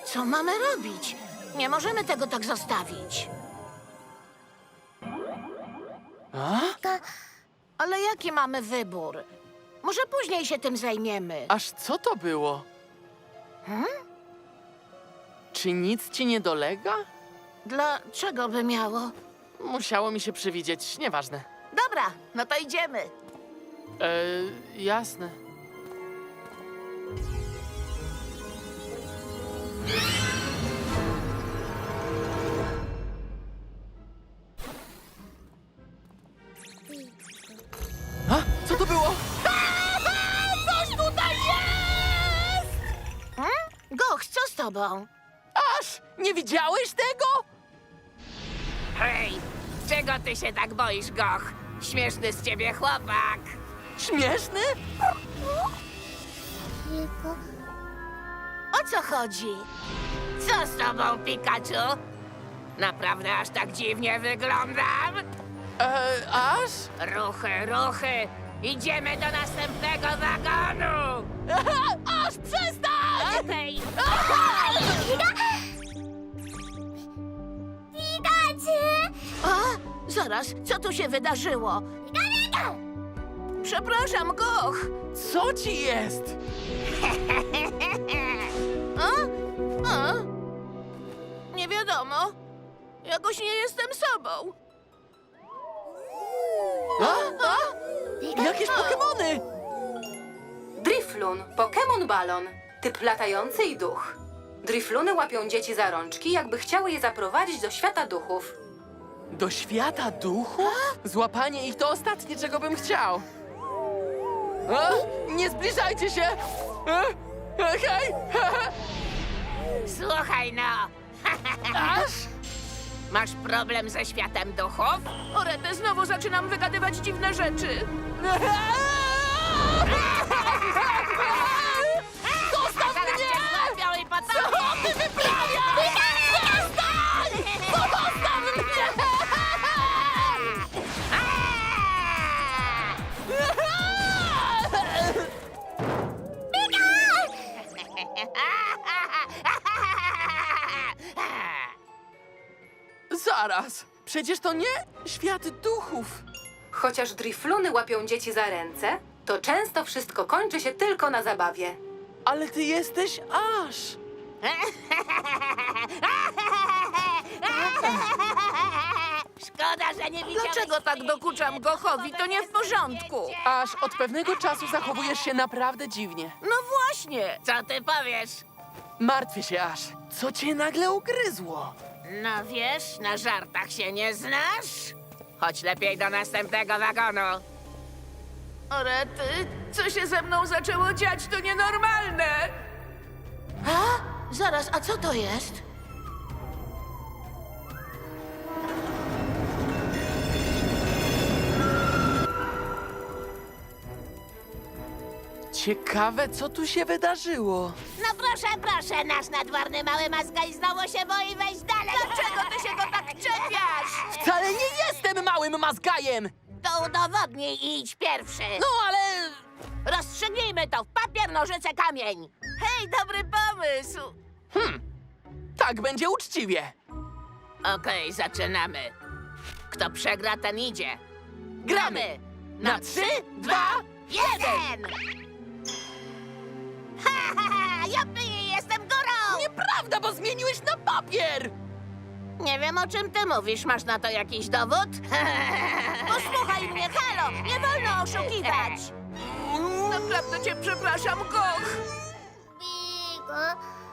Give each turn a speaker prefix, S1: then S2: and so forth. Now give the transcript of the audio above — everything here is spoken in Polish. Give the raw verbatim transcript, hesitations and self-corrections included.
S1: Co mamy robić? Nie możemy tego tak zostawić.
S2: A?
S1: Ale jaki mamy wybór? Może później się tym zajmiemy.
S2: Aż co to było?
S1: Hmm?
S2: Czy nic ci nie dolega?
S1: Dlaczego by miało?
S2: Musiało mi się przywidzieć, nieważne.
S1: Dobra, no to idziemy.
S2: Eee, jasne. A? Co to było?
S1: Coś tutaj jest! Hmm? Goch, co z tobą?
S2: Aż! Nie widziałeś tego?
S3: Hej, czego ty się tak boisz, Goch? Śmieszny z ciebie chłopak.
S2: Śmieszny?
S1: O co chodzi?
S3: Co z tobą, Pikachu? Naprawdę aż tak dziwnie wyglądam?
S2: Eee, aż?
S3: Ruchy, ruchy! Idziemy do następnego wagonu!
S2: Aż przestań!
S3: Okej!
S1: A? Zaraz, co tu się wydarzyło? Przepraszam, Goch.
S2: Co ci jest?
S1: A? A? Nie wiadomo. Jakoś nie jestem sobą.
S2: A? A? Jakieś Pokemony!
S4: Drifloon, Pokémon Balon, typ latający i duch. Drifluny łapią dzieci za rączki, jakby chciały je zaprowadzić do świata duchów.
S2: Do świata duchu? Złapanie ich to ostatnie, czego bym chciał. A? Nie zbliżajcie się! A? A, hej!
S3: Słuchaj no!
S2: Aż?
S3: Masz problem ze światem duchów?
S1: O rety, znowu zaczynam wygadywać dziwne rzeczy.
S2: Zostaw
S3: Zaraz
S2: mnie!
S3: cię złapią i
S2: Co
S3: potem...
S2: ty wyprawiasz? Przestań! Zostaw mnie! Zaraz! Przecież to nie świat duchów!
S4: Chociaż Drifluny łapią dzieci za ręce, to często wszystko kończy się tylko na zabawie.
S2: Ale ty jesteś aż!
S3: Szkoda, że nie widziałeś...
S1: Dlaczego tak dokuczam Gochowi? To nie w porządku.
S2: Aż od pewnego czasu zachowujesz się naprawdę dziwnie.
S1: No właśnie.
S3: Co ty powiesz?
S2: Martwię się aż. Co cię nagle ugryzło?
S3: No wiesz, na żartach się nie znasz? Chodź lepiej do następnego wagonu.
S1: O rety, co się ze mną zaczęło dziać, to nienormalne. A? Zaraz, a co to jest?
S2: Ciekawe, co tu się wydarzyło.
S3: No proszę, proszę, nasz nadworny mały maskaj znowu się boi wejść dalej.
S1: Dlaczego ty się go tak czepiasz?
S2: Wcale nie jestem małym mazgajem!
S3: To udowodnij i idź pierwszy.
S2: No ale...
S3: Rozstrzygnijmy to w papier, nożyce, kamień.
S1: Hej, dobry pomysł.
S2: Tak będzie uczciwie.
S3: Okej, zaczynamy. Kto przegra, ten idzie.
S2: Gramy! Na trzy, dwa,
S3: jeden! Ha, ha, ha! Jupi, jestem górą!
S2: Nieprawda, bo zmieniłeś na papier!
S3: Nie wiem, o czym ty mówisz. Masz na to jakiś dowód?
S1: Posłuchaj mnie, halo, nie wolno oszukiwać. Naprawdę cię przepraszam, Goch.
S5: Bigo,